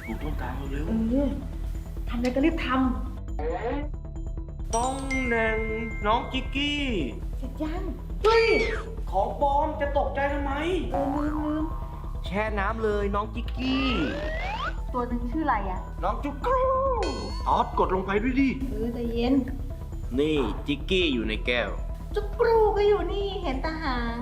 ปลูกต้นตาลเร็วทำอะไรก็รีบทต้องแหน่งน้องจิกกี้ำเสร็จยังเฮ้ยของปลอมจะตกใจทำไมลืมแช่น้ำเลยน้องจิกกี้ตัวหนึ่งชื่ออะไรอ่ะน้องจุกรูออสกดลงไปด้วยดิใจเย็นนี่จิกกี้อยู่ในแก้วจุกกรูก็อยู่นี่เห็นตาหาง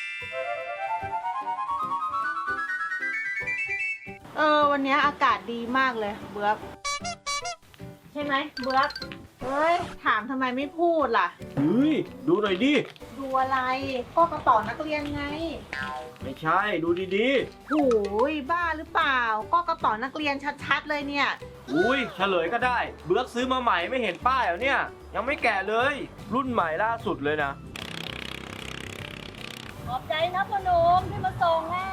วันนี้อากาศดีมากเลยเบือกใช่ไหมเบือกเฮ้ยถามทำไมไม่พูดล่ะเฮ้ย ดูหน่อยดิดูอะไรก็กระเป๋านักเรียนไงไม่ใช่ดูดีโอ้ยบ้าหรือเปล่าก็กระเป๋านักเรียนชัดๆเลยเนี่ยๆอุ้ยเฉลยก็ได้ เบือกซื้อมาใหม่ไม่เห็นป้ายเหรอเนี่ย ยังไม่แกะเลย รุ่นใหม่ล่าสุดเลยนะขอบใจนะพ่อหนุ่มที่มาส่งอ่ะ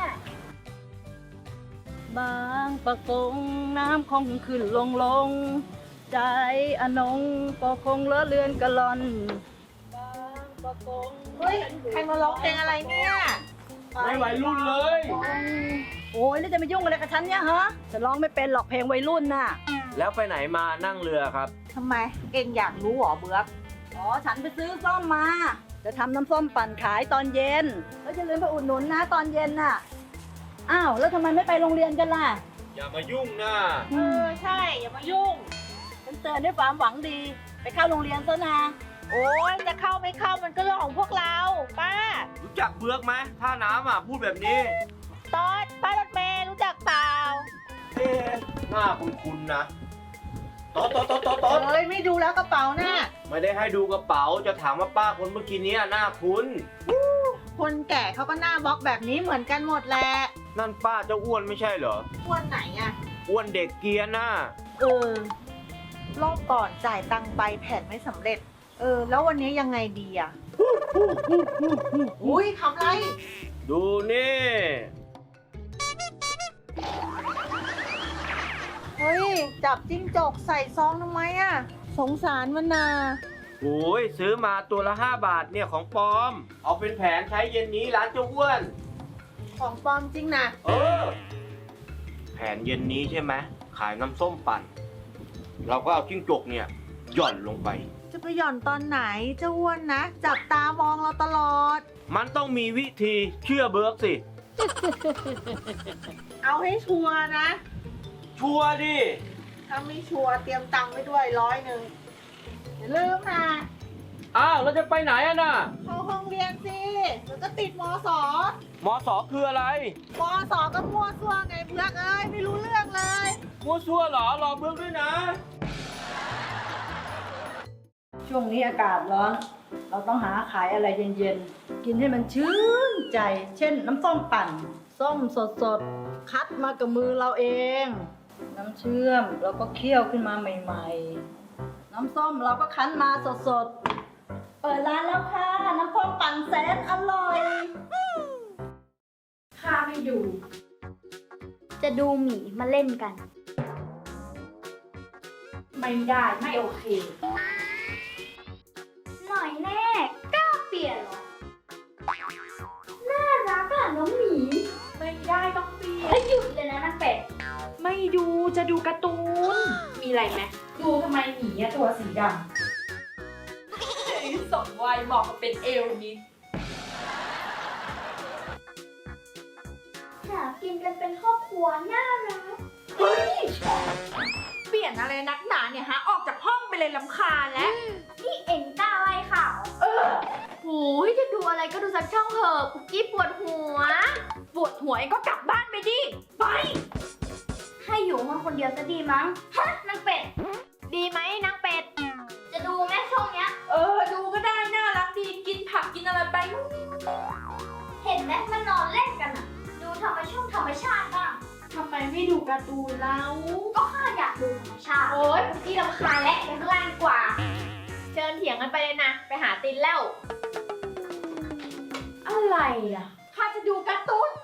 บางประกงน้ำคงขึ้นลงใจอนงก็คงเลอะเลือนกะลอนบางประกงเฮ้ยใครมาร้องเพลงอะไรเนี่ยไม่วัยรุ่นเลยโอ้ยแล้วจะมายุ่งอะไรกับฉันเนี่ยฮะจะร้องไม่เป็นหรอกเพลงวัยรุ่นน่ะแล้วไปไหนมานั่งเรือครับทำไมเอ็งอยากรู้เหรอเบือกอ๋อฉันไปซื้อส้มมา จะทำน้ำส้มปั่นขายตอนเย็น แล้วจะลืมไปอุดหนุนนะตอนเย็นน่ะอ้าวแล้วทำไมไม่ไปโรงเรียนกันล่ะอย่ามายุ่งนะใช่อย่ามายุ่งฉันเตือนด้วยความหวังดี ไปเข้าโรงเรียนซะนะโอ้ยจะเข้าไม่เข้ามันก็เรื่องของพวกเราป้ารู้จักเบือกไหมท่าน้ำอ่ะพูดแบบนี้ตอดป้ารถเมย์รู้จักเปล่าเอ๊ะหน้าคุ้นๆนะต๊อดเอ้ยไม่ดูแล้วกระเป๋าน่ะไม่ได้ให้ดูกระเป๋าจะถามว่าป้าคนเมื่อกี้นี้หน้าคุ้นคนแก่เขาก็หน้าบล็อกแบบนี้เหมือนกันหมดแหละนั่นป้าเจ้าอ้วนไม่ใช่เหรออ้วนไหนอะอ้วนเด็กเกรียร์น่ะรอบก่อนจ่ายตังค์ไปแผนไม่สำเร็จ แล้ววันนี้ยังไงดีอะอุ้ยทำไรดูนี่เฮ้ยจับจิ้งจกใส่ซองทำไมอะสงสารมันนาโอ้ยซื้อมาตัวละ5 บาทเนี่ยของปลอม เอาเป็นแผนใช้เย็นนี้ร้านเจ้าอ้วนของปลอมจริงนะแผนเย็นนี้ใช่ไหมขายน้ำส้มปั่น เราก็เอาจิ้งจกเนี่ยหย่อนลงไปจะไปหย่อนตอนไหนเจ้าอ้วนนะ จับตามองเราตลอดมันต้องมีวิธีเชื่อเบิร์กสิเอาให้ชัวร์นะชัวร์ดิถ้าไม่ชัวร์เตรียมตังค์ไว้ด้วย100อย่าลืมนะอ้าวเราจะไปไหนอะน่ะเข้าห้องเรียนสิเดี๋ยวก็ติดมสมสคืออะไรมสก็มั่วซั่วไงเพื่อกเอ้ยไม่รู้เรื่องเลยมัวซัวเหรอรอเบิร์กด้วยนะช่วงนี้อากาศร้อน เราต้องหาขายอะไรเย็นๆ กินให้มันชื่นใจ เช่นน้ำส้มปั่น ส้มสดๆ คัดมากับมือเราเอง น้ำเชื่อมเราก็เคี่ยวขึ้นมาใหม่ๆ น้ำส้มเราก็คั้นมาสดๆ เปิดร้านแล้วค่ะ น้ำส้มปั่นแสนอร่อยข้าไม่อยู่จะดูหมีมาเล่นกันไม่ได้ไม่โอเคหน่อยแน่กล้าเปลี่ยนเหรอ น่ารักอ่ะน้องหมีไม่ได้ต้องเปลี่ยนให้หยุดเลยนะนางเป็ดไม่ดูจะดูการ์ตูน มีอะไรไหมดูทำไมหมีตัวสีดำสมวัยเหมาะกับเป็นเอลนิดหากินกันเป็นครอบครัวน่ารักเฮ้ย เปลี่ยนอะไรนักหนาเนี่ยฮะ ออกจากห้องไปเลยลำคาญแล้วนี่เอ็งกล้าไล่ข่าวโอ้ยจะดูอะไรก็ดูสักช่องเถอะคุกกี้ปวดหัวปวดหัวเองก็กลับบ้านไปดิ ไปให้อยู่ห้องคนเดียวจะดีมั้ง ฮะนางเป็ดดีไหมนางเป็ดจะดูแม่ช่องเนี้ยดูก็ได้น่ารักดี กินผักกินอะไรไปเห็นไหมมันนอนเล่นกันอะดูธรรมชาติบ้างทำไมไม่ดูการ์ตูนเราก็ข้าอยากดูธรรมชาติโอ๊ยคุกกี้รำคาญและไปข้างล่างดีกว่า เชิญเถียงกันไปเลยนะ ไปหาตินแล้ว อะไรอ่ะ ข้าจะดูการ์ตูน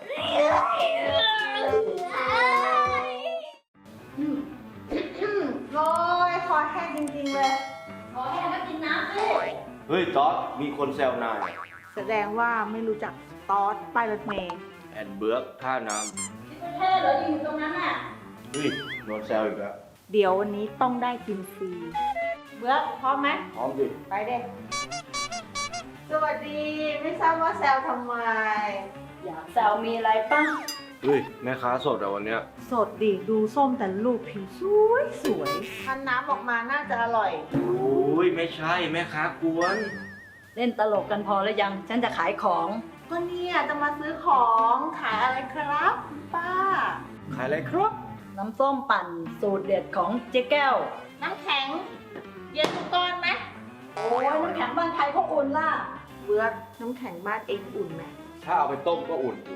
โอ้ยคอแห้งจริงๆเลยขอให้ก็กินน้ำสิเฮ้ยต๊อดมีคนแซวนายแสดงว่าไม่รู้จักตอสป้ายรถเมย์แอนเบิร์กท่าน้ที่ประเทศเหรออยู่ตรงนั้นอ่ะำเฮ้ยโดนแซวอีกแล้วเดี๋ยววันนี้ต้องได้กินฟรี เบือกพร้อมไหมพร้อมดิไปเด็กสวัสดี ไม่ทราบว่าแซวทำไมอยากแซวมีอะไรป่ะเฮ้ยแม่ค้าสดอะวันเนี้ยสดดิดูส้มแต่ลูกผิวสวยสวยพันน้ำออกมาน่าจะอร่อยโอ้ยไม่ใช่แม่ค้ากวนเล่นตลกกันพอแล้วยัง ฉันจะขายของก็เนี่ยจะมาซื้อของขายอะไรครับคุณป้าขายอะไรครับน้ำส้มปั่นสูตรเด็ดของเจ๊แก้วน้ำแข็ง เย็นทุกก้อนไหมโอ้ยน้ำแข็งบ้านใครเขาอุ่นล่ะเบือกน้ำแข็งบ้านเองอุ่นไหมถ้าเอาไปต้มก็อุ่นอยู่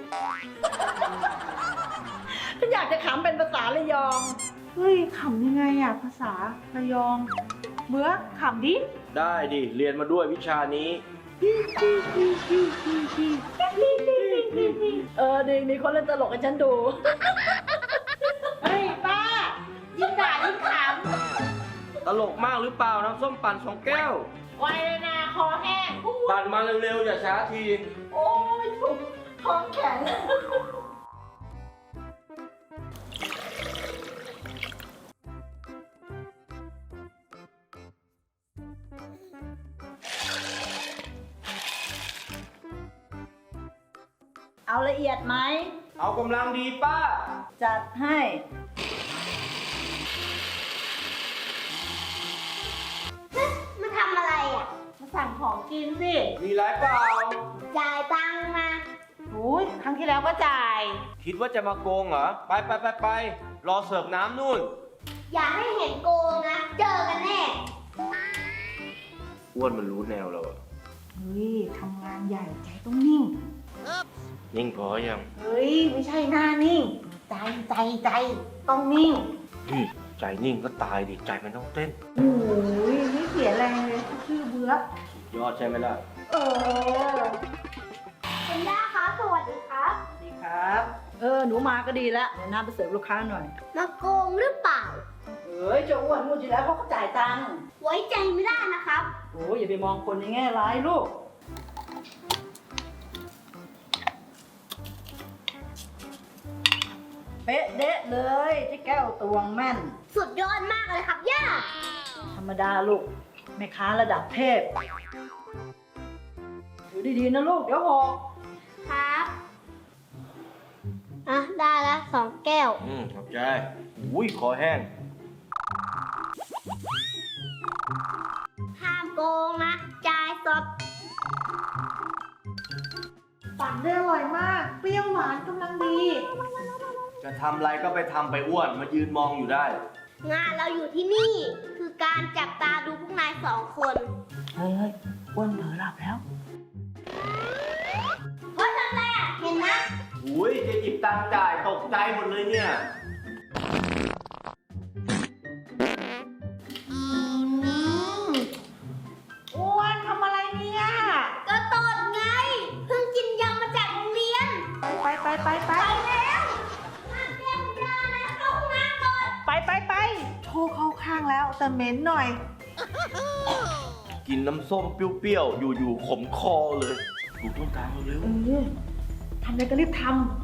ฉันอยากจะขำเป็นภาษาระยองเฮ้ยขำยังไงอะภาษาระยอง เบือกขำดิได้ดิ เรียนมาด้วยวิชานี้ดีมีคนเล่นตลกให้ฉันดูเฮ้ยป้า ยิ่งด่ายิ่งขตลกมากหรือเปล่าน้ำส้มปั่น2 แก้วำไวเลยนะคอแห้งปั่นมาเร็วๆอย่าช้าทีโอ้ยถูกท้องแข็ง เอาละเอียดไหมเอากำลังดีป้าจัดให้มาทำอะไรอ่ะมาสั่งของกินสิมีไรเปล่าจ่ายตังค์มาโอ้ยครั้งที่แล้วก็จ่ายคิดว่าจะมาโกงเหรอ ไป รอเสิร์ฟน้ำนู่นอย่าให้เห็นโกงนะ เจอกันแน่อ้วนมันรู้แนวเราอะเฮ้ยทำงานใหญ่ใจต้องนิ่งนิ่งพอยังเฮ้ย ไม่ใช่หน้านิ่ง ใจต้องนิ่งใจนิ่งก็ตายดิ ใจมันต้องเต้นโอ้ยไม่เสียแรงเลยชื่อเบือกยอดใช่ไหมล่ะเออคุณย่าคะสวัสดีครับดีครับ หนูมาก็ดีแล้ว เดี๋ยวน้าไปเสิร์ฟลูกค้าหน่อยมาโกงหรือเปล่าเอ้ยเจะอ้วนพูดอยู่แล้วเขาก็จ่ายตังค์ไว้ใจไม่ได้นะครับโอ้ยอย่าไปมองคนในแง่ร้ายลูก เป๊ะเดะเลยเจ๊แก้วตวงแม่นสุดยอดมากเลยครับย่าธรรมดาลูกแม่ค้าระดับเทพดูดีๆนะลูก เดี๋ยวหกครับ อ่ะ ได้แล้ว2 แก้วขอบใจ อุ้ยคอแห้งห้ามโกงนะ จ่ายสดปั่นได้อร่อยมาก เปรี้ยวหวานกำลังดีจะทำอะไรก็ไปทำไปอ้วน มายืนมองอยู่ได้งานเราอยู่ที่นี่ คือการจับตาดูพวกนาย2 คนเฮ้ยอ้วนเผลอหลับแล้วเพราะทำไรอ่ะ เห็นนะอุ้ยจะหยิบตังค์จ่ายตกใจหมดเลยเนี่ยอ้วนทำอะไรเนี่ยก็ตดไง เพิ่งกินยำมาจากโรงเรียนไปไปแล้วห้ามเรียกคุณย่านะเข้าห้องน้ำก่อนไปโชว์เข้าข้างแล้วแต่เหม็นหน่อยกินน้ำส้มเปรี้ยวๆ อยู่ๆขมคอเลย ดูต้นทางเร็วทำอะไรก็รีบท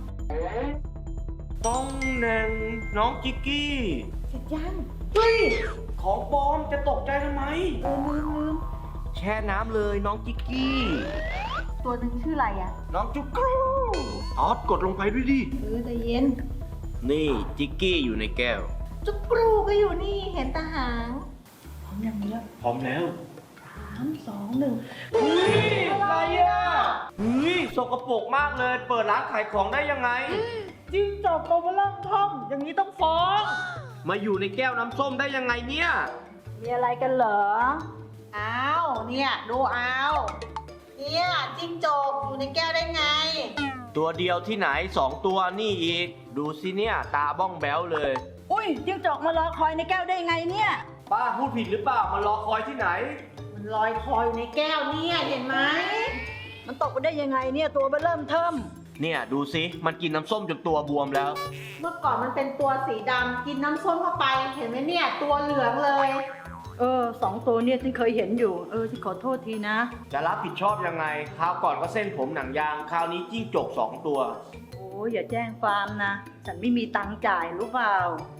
ต้องแนงน้องจิกกี้ำเสร็จยังเฮ้ย ของปลอมจะตกใจทำไมลืมแช่น้ำเลยน้องจิกกี้ตัวหนึ่งชื่ออะไรอ่ะน้องจุกรูออสกดลงไปด้วยดิใจเย็นนี่จิกกี้อยู่ในแก้วจุกกรูก็อยู่นี่เห็นตาหางพร้อมยังเนี้ยพร้อมแล้ว 3 2 1 เฮ้ยอะไรอ่ะเฮ้ยสกปรกมากเลย เปิดร้านขายของได้ยังไงจิ้งจอกโตมาล่องท่องอย่างนี้ต้องฟ้องมาอยู่ในแก้วน้ำส้มได้ยังไงเนี่ยมีอะไรกันเหรออ้าวเนี่ยดูเอาเนี่ยจิ้งจกอยู่ในแก้วได้ไงตัวเดียวที่ไหน2 ตัวนี่อีก ดูสิเนี่ย ตาบ้องแบ้วเลยอุ้ยจิ้งจอกมารอคอยในแก้วได้ไงเนี่ยป้าพูดผิดหรือเปล่ามารอคอยที่ไหนมันลอยคออยู่ในแก้วเนี่ยเห็นไหมมันตกไปได้ยังไงเนี่ยตัวมันเริ่มเทิมเนี่ยดูสิมันกินน้ำส้มจนตัวบวมแล้วเมื่อก่อนมันเป็นตัวสีดำกินน้ำส้มเข้าไปเห็นไหมเนี่ยตัวเหลืองเลย 2 ตัวเนี่ยฉันเคยเห็นอยู่ ฉันขอโทษทีนะจะรับผิดชอบยังไง คราวก่อนก็เส้นผมหนังยาง คราวนี้จิ้งจก2 ตัวโอ้ยอย่าแจ้งความนะ ฉันไม่มีตังค์จ่ายรู้เปล่า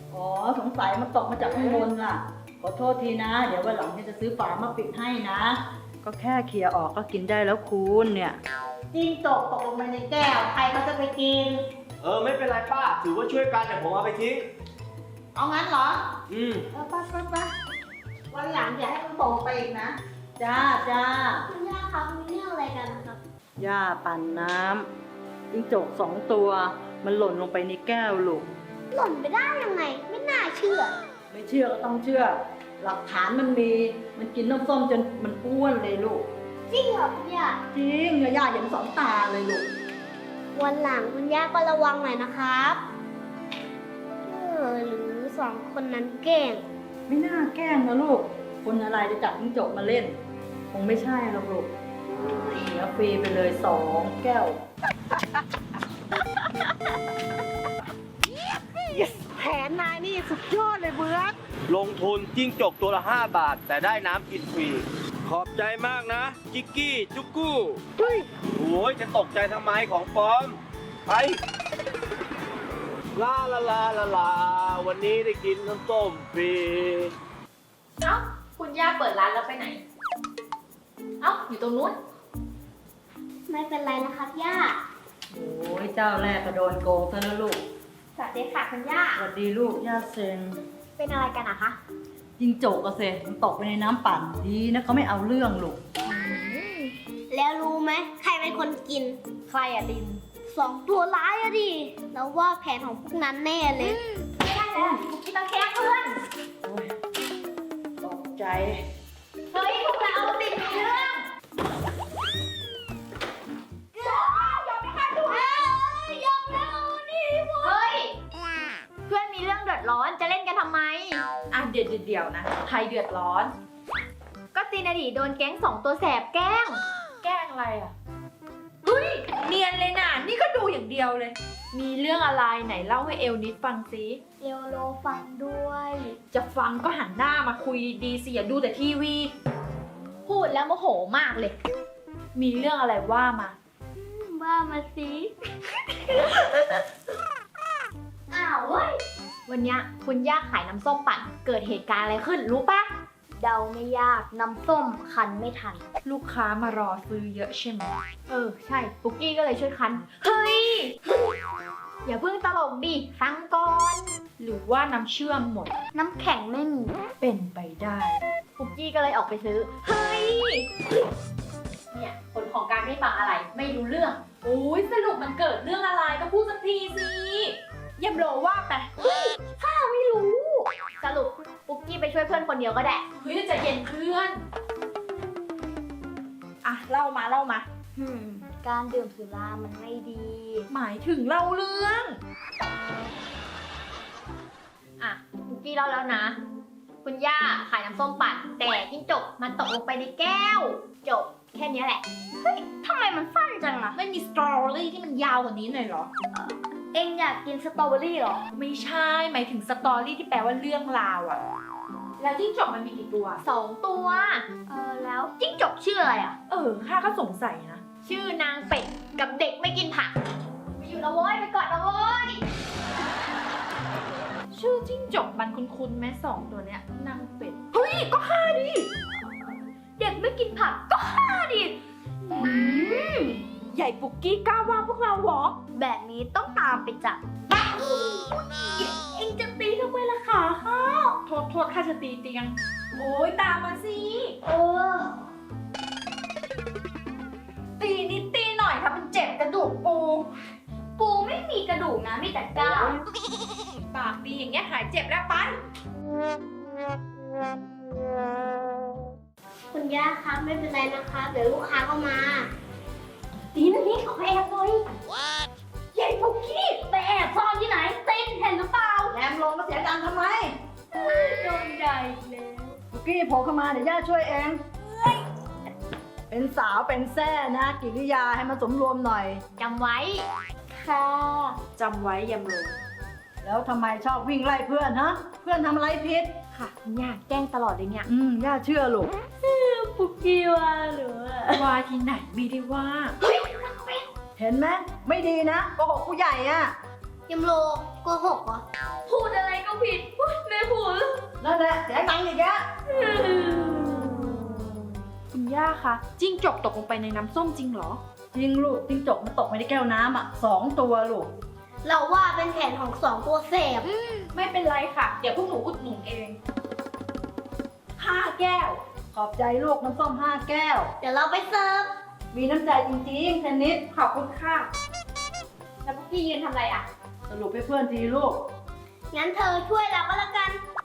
อ๋อสงสัยมันตกมาจากข้างบนล่ะ ขอโทษทีนะ เดี๋ยววันหลังจะซื้อฝามาปิดให้นะ ก็แค่เคลียร์ออกก็กินได้แล้วคุณเนี่ยจิ้งจกตกลงไปในแก้ว ใครเขาจะไปกินไม่เป็นไรป้า ถือว่าช่วยกันแต่ผมเอาไปทิ้งเอางั้นเหรออืมไปวันหลังอย่าให้มันตกไปอีกนะจ้าจ้าคุณย่าครับมีเรื่องอะไรกันนะครับย่าปั่นน้ำจิ้งจก2 ตัว มันหล่นลงไปในแก้วลูกหล่นไปได้ยังไง ไม่น่าเชื่อไม่เชื่อก็ต้องเชื่อ หลักฐานมันมี มันกินน้ำส้มจนมันอ้วนเลยลูกจริงเหรอคุณย่าจริงย่าเห็น2 ตาเลยลูกวันหลังคุณย่าก็ระวังหน่อยนะครับหรือ2 คนนั้นแกล้งไม่น่าแกล้งนะลูก คนอะไรจะจับจิ้งจกมาเล่น คงไม่ใช่หรอกลูกเสียฟรีไปเลย2 แก้วแผนนายนี่สุดยอดเลยเบิร์ตลงทุนจิ้งจกตัวละ 5 บาท แต่ได้น้ำกินฟรี ขอบใจมากนะ จิกกี้ จุกกู้โอ้ยจะตกใจทำไมของปลอม ไป ลาลาลาลาลา วันนี้ได้กินน้ำส้มฟรีเอ้าคุณย่าเปิดร้านแล้วไปไหน เอ้าอยู่ตรงนู้นไม่เป็นไรนะครับย่าโอ้ยเจ้าแรกก็โดนโกงซะแล้วลูกสวัสดีค่ะคุณย่าสวัสดีลูกย่าเซนเป็นอะไรกันอะคะจิ้งจกก็เซมันตกไปในน้ำปั่นดีนะเขาไม่เอาเรื่องลูกแล้วรู้ไหมใครเป็นคนกิน ใครอะลิน2 ตัวร้ายอะดิ แล้วว่าแผนของพวกนั้นแน่เลยไม่ได้แล้วคุกกี้ต้องแค่เพื่อนโอ้ยตกใจเฮ้ยพวกเราติดมีเรื่องยอมไม่ค่ะทุกคนยอมแล้วนี่เฮ้ย เพื่อนมีเรื่องเดือดร้อนจะเล่นกันทำไมอ่ะเดี๋ยวนะ ใครเดือดร้อนก็ตีนดีโดนแก๊ง2 ตัวแสบแกล้งแกล้งอะไรอ่ะ เฮ้ย เนียนเลยน่ะ นี่ก็ดูอย่างเดียวเลย มีเรื่องอะไรไหนเล่าให้เอลนิดฟังสิเอลโลฟังด้วยจะฟังก็หันหน้ามาคุยดีๆสิอย่าดูแต่ทีวีพูดแล้วโมโหมากเลยมีเรื่องอะไรว่ามาว่ามาสิ อ้าวเว้ยวันเนี้ยคุณย่าขายน้ำส้มปั่น เกิดเหตุการณ์อะไรขึ้นรู้ปะเดาไม่ยากน้ำส้มคันไม่ทันลูกค้ามารอซื้อเยอะใช่ไหมใช่ ปุกกี้ก็เลยช่วยคัน เฮ้ยอย่าเพิ่งตลกดิ ฟังก่อนหรือว่าน้ำเชื่อมหมดน้ำแข็งไม่มีเป็นไปได้ปุกกี้ก็เลยออกไปซื้อเฮ้ย เนี่ยผลของการไม่ฟังอะไร ไม่รู้เรื่อง โอ้ยสรุปมันเกิดเรื่องอะไรก็พูดสักทีสิเยี่ยมโลว่าไปไม่รู้ สรุปปุกกี้ไปช่วยเพื่อนคนเดียวก็ได้เฮ้ยใจะเย็นเพื่อน อ่ะเล่ามาการดื่มสุรามันไม่ดีหมายถึงเล่าเรื่องอ่ะปุกกี้เล่าแล้วนะ คุณย่าขายน้ำส้มปั่น แต่จิ้งจกมันตกลงไปในแก้ว จบแค่นี้แหละ เฮ้ยทำไมมันสั้นจังอะไม่มีสตรอเบอรี่ที่มันยาวกว่านี้หน่อยเหรอเอ็งอยากกินสตรอเบอรี่เหรอไม่ใช่ หมายถึงสตอรี่ที่แปลว่าเรื่องราวอะแล้วจิ้งจกมันมีกี่ตัว 2 ตัว แล้วจิ้งจกชื่ออะไรอ่ะข้าก็สงสัยนะชื่อนางเป็ดกับเด็กไม่กินผักไปอยู่นะโว้ยไปก่อนนะโว้ยชื่อจิ้งจกมันคุ้นๆแม่2 ตัวเนี้ยนางเป็ด เฮ้ย ก็ฆ่าดิเด็กไม่กินผักก็ฆ่าดิใหญ่ปุกกี้กล้าว่าพวกเราเหรอแบบนี้ต้องตามไปจับเอ็งจะตีทำไมล่ะคะข้าโทษข้าจะตีเตียง โอ้ยตามมาสิเออตีนิดตีหน่อยถ้ามันเจ็บกระดูกปูปูไม่มีกระดูกนะมีแต่ก้างปากดีอย่างเงี้ยหายเจ็บแล้วไปคุณย่าครับไม่เป็นไรนะคะเดี๋ยวลูกค้าก็มาตีนะนี่ขอแอบหน่อยใหญ่ปุกกี้ไปแอบซ่อนที่ไหนเต้นเห็นหรือเปล่าแรมลงมาเสียตังค์ทำไมโดนใหญ่แล้วปุกกี้โผล่เข้ามาเดี๋ยวย่าช่วยเอง เป็นสาวเป็นแซ่นะกิริยาให้มันสมรวมหน่อยจำไว้ ค่ะจำไว้ยำโลแล้วทำไมชอบวิ่งไล่เพื่อนฮะ เพื่อนทำอะไรผิดค่ะคุณย่าแกล้งตลอดเลยเนี่ยย่าเชื่อลูกปุกกี้ว่าหรือว่าที่ไหนไม่ได้ว่าเห็นไหมไม่ดีนะโกหกผู้ใหญ่อะยำโลโกหกเหรอพูดอะไรก็ผิดอุ๊ยแม่พูดนั่นแหละเสียตังค์อีกแล้วคุณย่าคะจิ้งจกตกลงไปในน้ำส้มจริงเหรอจริงลูกจิ้งจกมันตกไปในแก้วน้ำอ่ะ2 ตัวลูกเราว่าเป็นแผนของสองตัวแสบไม่เป็นไรค่ะ เดี๋ยวพวกหนูอุดหนุนเอง5 แก้วขอบใจลูกน้ำส้ม5 แก้วเดี๋ยวเราไปเสิร์ฟมีน้ำใจจริงๆเทนนิสขอบคุณค่ะ แล้วพวกพี่ยืนทำอะไรอ่ะสรุปให้เพื่อนทีลูกงั้นเธอช่วยเราก็แล้วกัน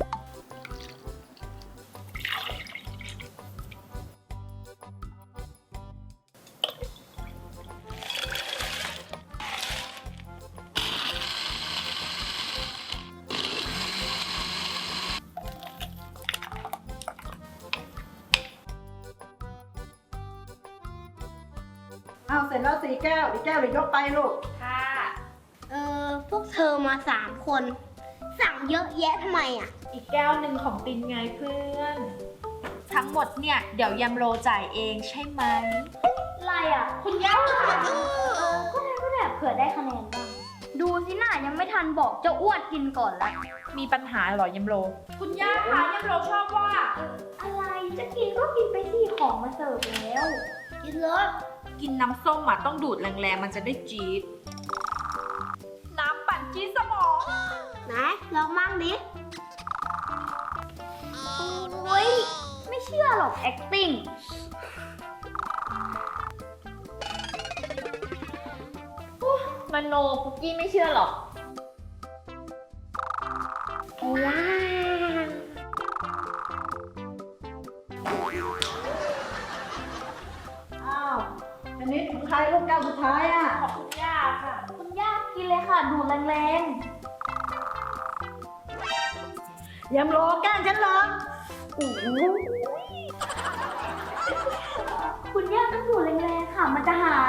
เอาเสร็จแล้ว4 แก้วอีกแก้วเดี๋ยวยกไปลูกค่ะพวกเธอมา3 คน สั่งเยอะแยะทำไมอ่ะอีกแก้วหนึ่งของตินไงเพื่อน ทั้งหมดเนี่ย เดี๋ยวยำโรจ่ายเองใช่ไหมอะไรอ่ะคุณย่าก็ได้เผื่อได้คะแนนบ้าง ดูสิน่ายังไม่ทันบอกเจ้าอ้วนกินก่อนละมีปัญหาเหรอยำโร คุณย่าคะยำโรชอบว่าอะไรจะกินก็กินไปสิของมาเสิร์ฟแล้ว กินเลยกินน้ำส้มอ่ะต้องดูดแรงๆมันจะได้จี๊ด น้ำปั่นจี๊ดสมองไหนลองมั่งดิ โอ้ยไม่เชื่อหรอก acting มโนปุกกี้ไม่เชื่อหรอกว้าวอ้าวเทนนิสของใครลูกแก้วสุดท้ายอ่ะขอบคุณย่าค่ะคุณย่ากินเลยค่ะ ดูดแรงยำโลแกล้งฉันเหรอๆคุณย่าต้องดูดแรงๆค่ะ มันจะหาย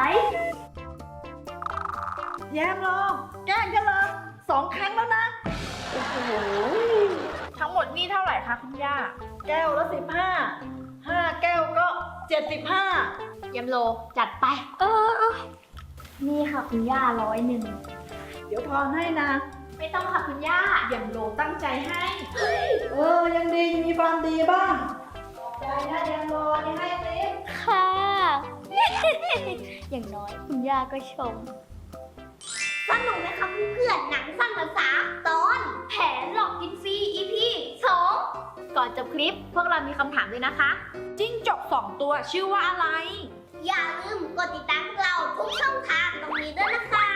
แยมโลแกล้งฉันเหรอ2 ครั้งแล้วนะ โอ้โหทั้งหมดนี่เท่าไหร่คะคุณย่าแก้วละ15 แก้วก็75 ยำโลจัดไปนี่ค่ะคุณย่า100 เดี๋ยวทอนให้นะไม่ต้องค่ะคุณย่ายำโลตั้งใจให้ยังดีมีความดีบ้างขอบใจนะยำโลนี่ให้สิค่ะ อย่างน้อยคุณย่าก็ชม สนุกไหมคะเพื่อนๆหนังสั้นภาษาตอน แผนหลอกกินฟรี EP 2 ก่อนจบคลิปพวกเรามีคำถามด้วยนะคะ จิ้งจก2 ตัวชื่อว่าอะไรอย่าลืมกดติดตามพวกเราทุกช่องทางตรงนี้ด้วยนะคะ